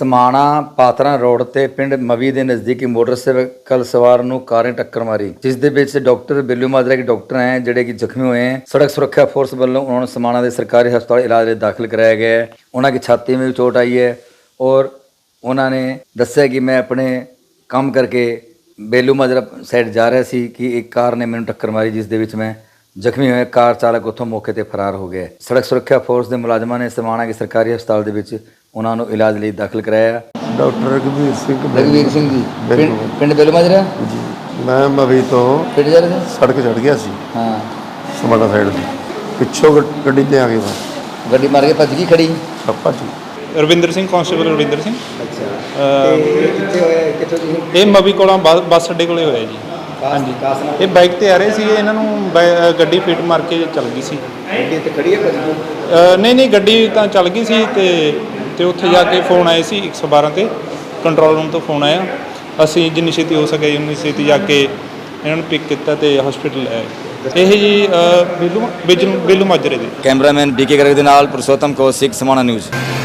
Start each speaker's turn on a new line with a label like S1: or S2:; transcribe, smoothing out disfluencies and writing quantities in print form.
S1: ਸਮਾਣਾ ਪਾਤਰਾਂ ਰੋਡ ਤੇ ਪਿੰਡ ਮਵੀ ਦੇ ਨਜ਼ਦੀਕੀ ਮੋਟਰਸਾਈਕਲ ਸਵਾਰ ਨੂੰ ਕਾਰ ਨੇ ਟੱਕਰ ਮਾਰੀ, ਜਿਸ ਦੇ ਵਿੱਚ ਡਾਕਟਰ ਬਿੱਲੂ ਮਾਜਰਾ ਕੇ ਡਾਕਟਰ ਹੈ ਜਿਹੜੇ ਕਿ ਜ਼ਖਮੀ ਹੋਏ हैं। सड़क सुरक्षा फोर्स ਵੱਲੋਂ ਉਹਨਾਂ ਨੂੰ ਸਮਾਣਾ ਦੇ ਸਰਕਾਰੀ ਹਸਪਤਾਲ ਇਲਾਜ ਲਈ ਦਾਖਲ कराया गया है। ਉਹਨਾਂ ਦੀ ਛਾਤੀ में भी चोट आई है और उन्होंने दस्या कि मैं अपने काम करके बेलू माजरा साइड जा रहा सी कि एक कार ने मैंने टक्कर मारी, जिस दे विच मैं ਜ਼ਖਮੀ ਹੋਏ। ਕਾਰ ਚਾਲਕ ਉੱਥੋਂ ਮੌਕੇ ਤੇ ਫਰਾਰ ਹੋ ਗਿਆ। ਸੜਕ ਸੁਰੱਖਿਆ ਫੋਰਸ ਦੇ ਮੁਲਾਜ਼ਮਾਂ ਨੇ ਸਮਾਣਾ ਦੇ ਸਰਕਾਰੀ ਹਸਪਤਾਲ ਦੇ ਵਿੱਚ ਉਹਨਾਂ ਨੂੰ ਇਲਾਜ ਲਈ ਦਾਖਲ ਕਰਾਇਆ।
S2: ਡਾਕਟਰ ਰਘਵੀਰ ਸਿੰਘ
S1: ਜੀ ਪਿੰਡ ਬੇਲੂ ਮਾਜਰਾ
S2: ਜੀ। ਮੈਂ ਮਵੀ ਤੋਂ
S1: ਪਿੰਡ ਜਾ ਰਹੇ ਸੀ,
S2: ਸੜਕ ਚੜ੍ਹ ਗਿਆ ਸੀ
S1: ਹਾਂ
S2: ਸਮਾਣਾ ਸਾਈਡ ਦੀ, ਪਿੱਛੋਂ ਗੱਡੀ ਤੇ ਆ ਗਈ
S1: ਗੱਡੀ ਮਾਰ ਕੇ ਭੱਜ ਗਈ ਖੜੀ।
S2: ਪਾਪਾ ਜੀ
S3: ਰਵਿੰਦਰ ਸਿੰਘ, ਕਾਂਸਟੇਬਲ ਰਵਿੰਦਰ ਸਿੰਘ।
S1: ਅੱਛਾ ਕਿੱਥੇ ਹੋਇਆ, ਕਿੱਥੋਂ ਜੀ?
S3: ਇਹ ਮਵੀ ਕੋਲੋਂ ਬੱਸ ਅੱਡੇ ਕੋਲੇ ਹੋਇਆ ਜੀ। ਹਾਂਜੀ, ਇਹ ਬਾਈਕ ਤੇ ਆ ਰਹੇ ਸੀ, ਇਹਨਾਂ ਨੂੰ ਗੱਡੀ ਫਿੱਟ ਮਾਰ ਕੇ ਚੱਲ ਗਈ ਸੀ।
S1: ਗੱਡੀ ਇੱਥੇ ਖੜੀ ਹੈ ਭੱਜ ਗਈ?
S3: ਨਹੀਂ ਗੱਡੀ ਤਾਂ ਚੱਲ ਗਈ ਸੀ ਤੇ ਉੱਥੇ ਜਾ ਕੇ ਫੋਨ ਆਏ ਸੀ 112 ਤੇ, ਕੰਟਰੋਲ ਰੂਮ ਤੋਂ ਫੋਨ ਆਇਆ। ਅਸੀਂ ਜਿੰਨੀ ਛੇਤੀ ਹੋ ਸਕੇ ਉਨੀ ਛੇਤੀ ਜਾ ਕੇ ਇਹਨਾਂ ਨੂੰ ਪਿਕ ਕੀਤਾ ਤੇ ਹਸਪੀਟਲ ਲੈ ਆਏ। ਇਹ ਜੀ ਬਿੱਲੂ ਮਾਜਰੇ ਦੇ।
S1: ਕੈਮਰਾਮੈਨ BK ਗਰਗ ਦੇ ਨਾਲ ਪੁਰਸ਼ੋਤਮ ਕੌਸ਼ਿਕ, ਸਮਾਣਾ ਨਿਊਜ਼।